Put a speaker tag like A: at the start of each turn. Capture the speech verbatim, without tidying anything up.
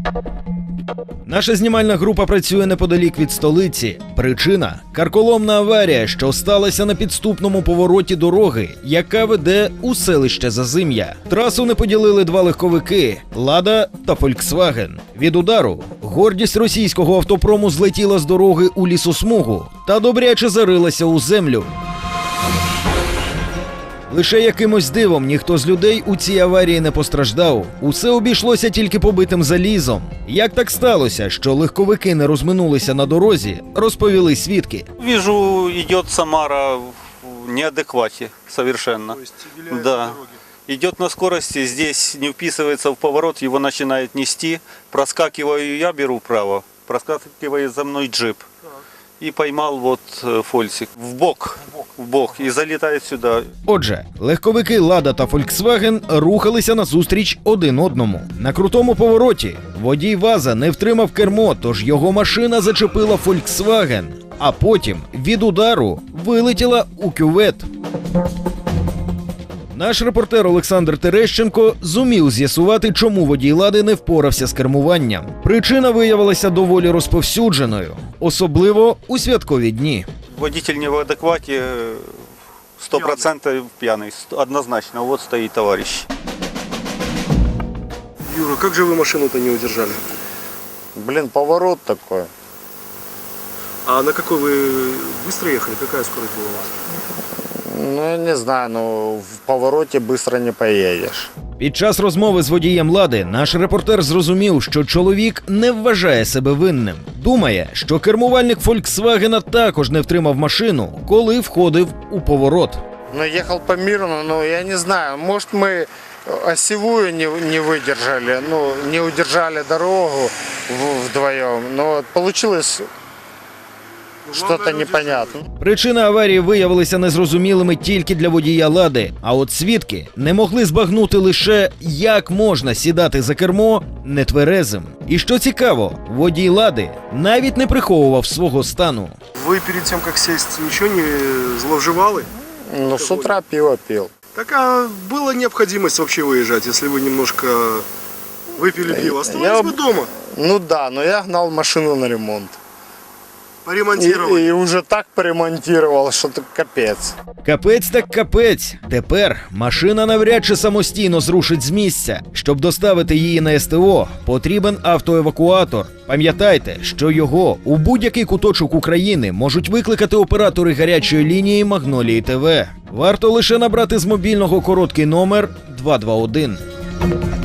A: Наша знімальна група працює неподалік від столиці. Причина – карколомна аварія, що сталася на підступному повороті дороги, яка веде у селище Зазим'я. Трасу не поділили два легковики – «Лада» та «Фольксваген». Від удару гордість російського автопрому злетіла з дороги у лісосмугу та добряче зарилася у землю. Лише якимось дивом ніхто з людей у цій аварії не постраждав. Усе обійшлося тільки побитим залізом. Як так сталося, що легковики не розминулися на дорозі, розповіли свідки.
B: Вижу, идет Самара в неадеквате совершенно.
C: То есть виляет
B: Да.
C: по дороге.
B: Идет на скорости, здесь не вписывается в поворот, его начинает нести. Проскакиваю, я беру вправо, проскакивает за мной джип. И поймал вот э, фольсик в бок, в бок, и залетает сюда.
A: Отже, легковики «Лада» та «Фольксваген» рухалися назустріч один одному. На крутому повороті водій ВАЗа не втримав кермо, тож його машина зачепила «Фольксваген», а потім від удару вилетіла у кювет. Наш репортер Олександр Терещенко зумів з'ясувати, чому водій «Лади» не впорався з кермуванням. Причина виявилася доволі розповсюдженою, особливо у святкові дні.
B: Водитель не в адеквате, сто процентов пьяный, однозначно. Вот стоит товарищ.
C: Юра, как же вы машину-то не удержали?
D: Блин, поворот такой.
C: А на какой вы быстро ехали? Какая скорость была у вас?
D: Ну, я не знаю, ну в повороте быстро не поедешь.
A: Під час розмови з водієм «Лади» наш репортер зрозумів, що чоловік не вважає себе винним. Думає, що кермувальник «Фольксвагена» також не втримав машину, коли входив у поворот.
D: Ну, ехал по мирному, ну, я не знаю, может, мы осевую не, не выдержали, ну, не удержали дорогу в- вдвоем, но получилось что-то непонятно.
A: Причини аварії виявилися незрозумілими тільки для водія «Лади», а от свідки не могли збагнути лише, як можна сідати за кермо нетверезим. І що цікаво, водій «Лади» навіть не приховував свого стану.
C: Вы перед тем, как сесть, ничего не зловживали?
D: Ну, с утра пиво пил.
C: Так а была необходимость вообще выезжать, если вы немножко выпили пиво? Оставались
D: Я-
C: бы дома,
D: Ну да, но я гнал машину на ремонт. И,
C: поремонтировали.
D: и уже так поремонтировал, что это капец.
A: Капець так капець. Тепер машина навряд чи самостійно зрушить з місця. Щоб доставити її на ес те о, потрібен автоевакуатор. Пам'ятайте, що його у будь-який куточок України можуть викликати оператори гарячої лінії «Магнолії ТВ». Варто лише набрати з мобільного короткий номер два два один.